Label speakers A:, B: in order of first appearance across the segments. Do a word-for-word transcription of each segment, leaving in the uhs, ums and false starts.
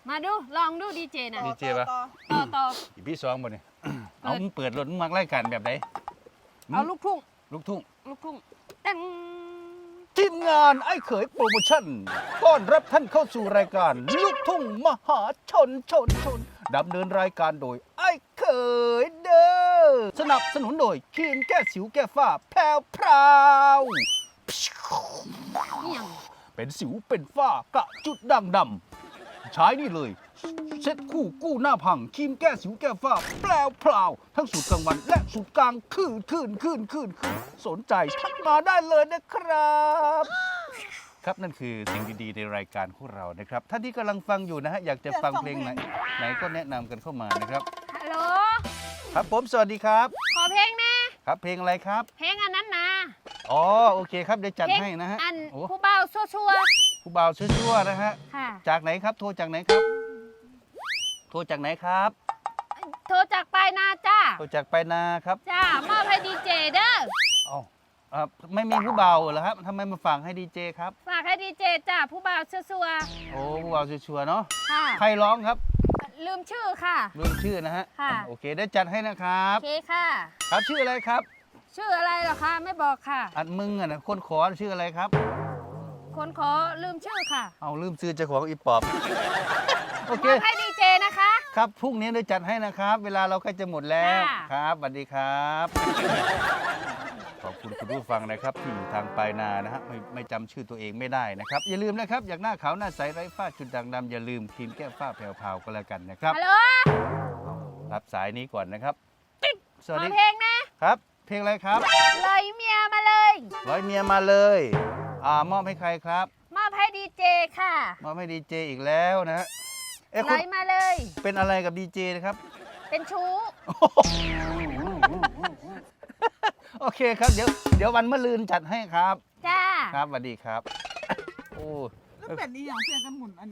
A: มาดูลองดูดีเจนะ
B: ดีเจปะ
A: ต่อต่อ
B: อีพี่สองบ่เนี่ยเอามึงเปิดรถมึงมักไล่กันแบบไหน
A: เอาลูกทุ่ง
B: ลูกทุ่ง
A: ลูกทุ่งตั้ง
B: ทีมงานไอ้เขยโปรโมชั่นต้อนรับท่านเข้าสู่รายการลูกทุ่งมหาชนชนชนดำเนินรายการโดยไอ้เขยเด้อสนับสนุนโดยครีมแก้สิวแก้ฝ้าแพรวพราว
A: นี่ยัง
B: เป็นสิวเป็นฝ้ากระจุดด่างดำใช้นี่เลยเซ็ตคู่กู้หน้าพังครีมแก้สิวแก้ฝ้าแปลวพราวทั้งสูตรกลางวันและสูตรกลางคืนคืนคืนคืนคืนสนใจทักมาได้เลยนะครับ ครับนั่นคือสิ่งดีๆในรายการของเรานะครับท่านที่กำลังฟังอยู่นะฮะอยากจะฟังเพลงไหนไหนก็แนะนำกันเข้ามานะครับ
A: ฮัลโหล
B: ครับผมสวัสดีครับ
A: ขอเพลงนะ
B: ครับเพลงอะไรครับ
A: เพลงอันนั้นนะ
B: อ๋อโอเคครับเดี๋ยวจัด
A: เพลง
B: ให้นะฮะ
A: อัน
B: โอ้
A: ผู้เบาชัวร์
B: ผู้บ่าวชั่วๆนะฮะ
A: ๆค่ะ
B: จากไหนครับโทรจากไหนครับ โทรจากไหนครับ
A: โทรจากปลายนาจ้า
B: โทรจากไปนาครับ
A: จ้ามอบให้ดีเจเด้อ
B: อ๋ออ่าไม่มีผู้บ่าวเหรอครับทำไมมาฝากให้ดีเจครับ
A: ฝากให้ดีเจจ้าผู้เบาชัวร์
B: โอ้ผู้บ่าวชัวร์ๆเนาะ
A: ๆค่ะ
B: ใครร้องครับ
A: ลืมชื่อค่ะ
B: ลืมชื่อนะฮะ
A: ค่ะ
B: โอเคได้จัดให้นะครับ
A: โอเคค่ะ
B: ครับชื่ออะไรครับ
A: ชื่ออะไรเหรอคะไม่บอกค่ะ
B: อันมึงอ่ะนะคนขอชื่ออะไรครับ
A: คนขอลืมชื่อค่ะ
B: เอาลืมชื่อเจ้าของอีปอบ โอ
A: ม
B: เค
A: อบให้ดีเจนะคะ
B: ครับพรุ่งนี้ได้จัดให้นะครับ เวลาเราใกล้จะหมดแล้ว
A: ค่ะ
B: ครับสวัสดีครับ ขอบคุณคุณผู้ฟังนะครับที่อยู่ทางปลายนานะฮะไม่ไม่จำชื่อตัวเองไม่ได้นะครับอย่าลืมนะครับอยากหน้าขาวหน้าใสไร้ฝ้าจุดด่างดำอย่าลืมครีมแก้ฝ้าแผ่วๆก็แล้วกันนะครับ
A: ฮัลโหล
B: รับสายนี้ก่อนนะครับ ส
A: ข
B: วัส
A: อ
B: ดี
A: เพลงนะ
B: ครับ เพลงอะไรครับ
A: เลยเมียมาเลย
B: ร้อยเมียมาเลยอ่ามอบให้ใครครับ
A: มอบให้ดีเจค่ะ
B: มอบให้ดีเจอีกแล้วนะฮะเอ๊ะ
A: ไหล
B: คุณ
A: มาเลย
B: เป็นอะไรกับดีเจนะครับ
A: เป็นชู้
B: โอเคครับเดี๋ยวเดี๋ยววันมะรืนจัดให้ครับ
A: จ้า
B: ครับสวัสดีครับโอ้
C: แล้วเป็ดนี่อย่างเพียงกันหมุนอันนี้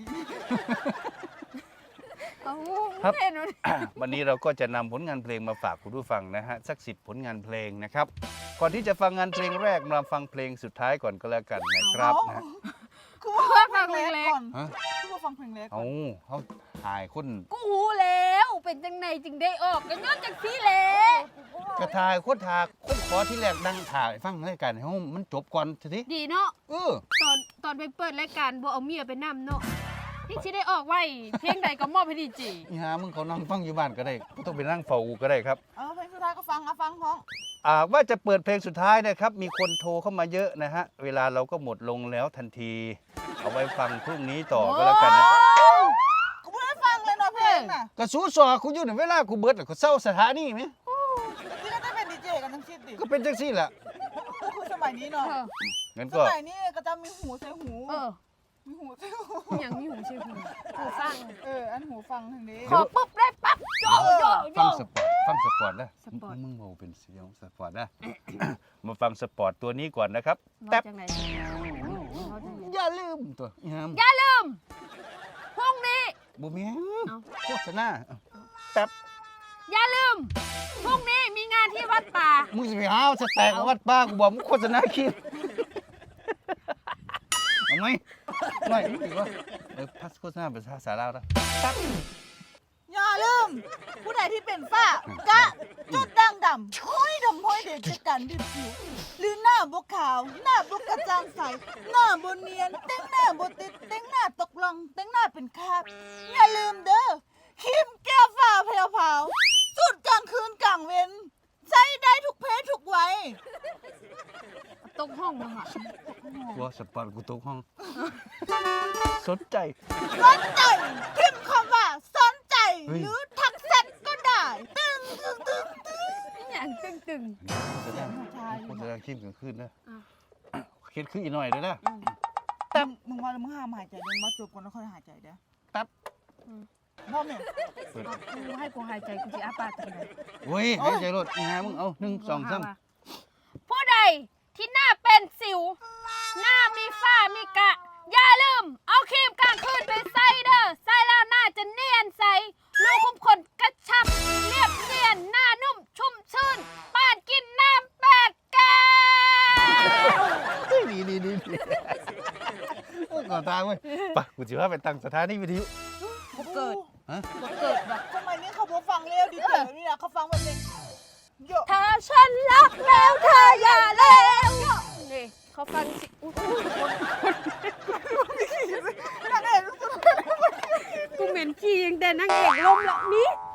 A: โอ้
B: ครับ
A: เห็นไหม
B: วันนี้เราก็จะนำผลงานเพลงมาฝากคุณผู้ฟังนะฮะสักสิบผลงานเพลงนะครับ ก่อนที่จะฟังงานเพลงแรกมาฟังเพลงสุดท้ายก่อนก็แล้วกันนะครับนะฮะ
C: คือว่าฟังเพลงเล็กก่อน
B: ฮะ
C: คือว่าฟังเพลงเล็กก่
B: เอา
C: อน
B: เขาถ่ายคน
A: กูหูแล้วเป็นจังไหนจึงได้ออกกันยอดจากพี่แหละ
B: กระทายคนทาคนขอที่แรกนั่งถ่ายฟังรายการให้มันจบก่อนที
A: ดีเนาะ
B: เออ
A: ตอนตอนไปเปิดรายการบ่เอาเมียไปนำเนาะนี่ชิได้ออกไว้เพลงใดก็มอบให้ดีเจ
B: นี่ฮะมึงเขานั่งฟังอยู่บ้านก็ได้ไม่ต้องไปนั่งเฝ้าก็ได้ครับ
C: เออเพลงสุดท้ายก็ฟังอ่ะฟังพ้อง
B: อ่าว่าจะเปิดเพลงสุดท้ายนะครับ มีคนโทรเข้ามาเยอะนะฮะ เวลาเราก็หมดลงแล้วทันที เอาไว้ฟังพรุ่งนี้ต่อก็แล้วกันนะ
C: กูไม่ได้ฟังเลยเนาะเพลงน่ะ
B: กระสูสอคุณอยู่ในเวลากูเบิดแล้วก็เศร้าสถานีไหม
C: ที่ก็จะเป็นดีเจกันทั้งชิดดิ
B: ก็เป็นจังซี่แหละ
C: คือสมัยนี้เนาะ
A: เออ
B: งั้น
C: ส
B: ก็
C: มัยนี้ก็จะมีหูใส่หู
A: เออ
C: มีหูใส่หู
A: อย่างนี้หูชื่อหูหูฟัง
C: เอออันหูฟังทางนี้
A: ขอปุ๊บได้ปั๊บโยโยโย
B: ฟังสปอร์ตฟังสปอร์ตนะ
A: สปอร์ต
B: มึงเมาเป็นเสียงสปอร์ตนะ มาฟังสปอร์ตตัวนี้ก่อนนะครับ
A: มา
B: แท็บ
A: จากไหน
B: อย่าลืมตัวอีหาม
A: อย่าลืมพรุ่งนี้
B: บุเมีย
A: เอ้า
B: โฆษณาแท็บ
A: อย่าลืมพรุ่งนี้มีงานที่วัดป่า
B: มึงจะไปหาเอาสแต็กวัดป้ากูบอกมึงโฆษณาคลิปเอาไหมไม่ถือว่าเออพัสโฆษณาเป็นภาษาลาวนะแท็บ
C: อย่าลืมผู้ใดที่เป็นฝ้ากะจุดด่างดำห้อยดำห้อยเด็ดจากการดิบผิวหรือหน้าบกขาว หน้าบกกระจ่างใสหน้าบนเนียนเต้งหน้าบติดเต้งหน้าตกลงเต้งหน้าเป็นคราบอย่าลืมเด้อครีมแก้วฝ้าแผ่วเผาสุดกลางคืนกลางเว้นใช้ได้ทุกเพศทุกวัย
A: ตกห้องมาค่ะ
B: กลัวสปอร์ตกูตกห้อง สนใจ
C: สนใจพิมพ์คำว่าสนใจ
B: เฮ้ย
C: หรือทักแชทก็ได้ ตึงตึงตึงตึง
A: อย่างตึงตึง
B: แสดง
C: ใช่
B: โฆษณาคลิปกลางคืนนะ
A: อ่ะ
B: เคิดขึ้นอีกหน่อยเลยนะ
C: แต่มึงว่าแล้วมึงห้ามหายใจเดี๋ยวมาจบก่อนแล้วค่อยหายใจเด้อ
B: ตับ
C: พ่อแม่
B: เปิด
A: ๆกูให้กูหายใจกูจะอาปากกันเลย
B: เว้ยหายใจรถอีหามึงเอาหนึ่งสองสาม
A: ผู้ใดที่หน้าเป็นสิว หน้ามีฝ้ามีกะ อย่าลืม เอาครีมกลางคืนไปใส่เด้อใส่แล้วหน้าจะเนียนใสรูขุมขนกระชับ เรียบเนียนหน้านุ่มชุ่มชื่นปาดกินน้ำแปดแก้ว
B: ดีดีดีดีก่อนตาเว้ยไปกูจะว่าไปตั้งสถานีวิทยุ
C: กู
A: เกิด
B: ฮะ
A: บ่เกิดว่ะ
C: ทำไมนี่เขาบ่ฟังแล้วดีเตอร์นี่นะเขาฟังแบบเพลงโย
A: ถ้าฉันรักแล้วเธออย่าแล้วนี่เขาฟังสิอุ๊ย
C: นางเอก
A: กูเหม็นขี้ยังแต่นางเอกล้มละนี่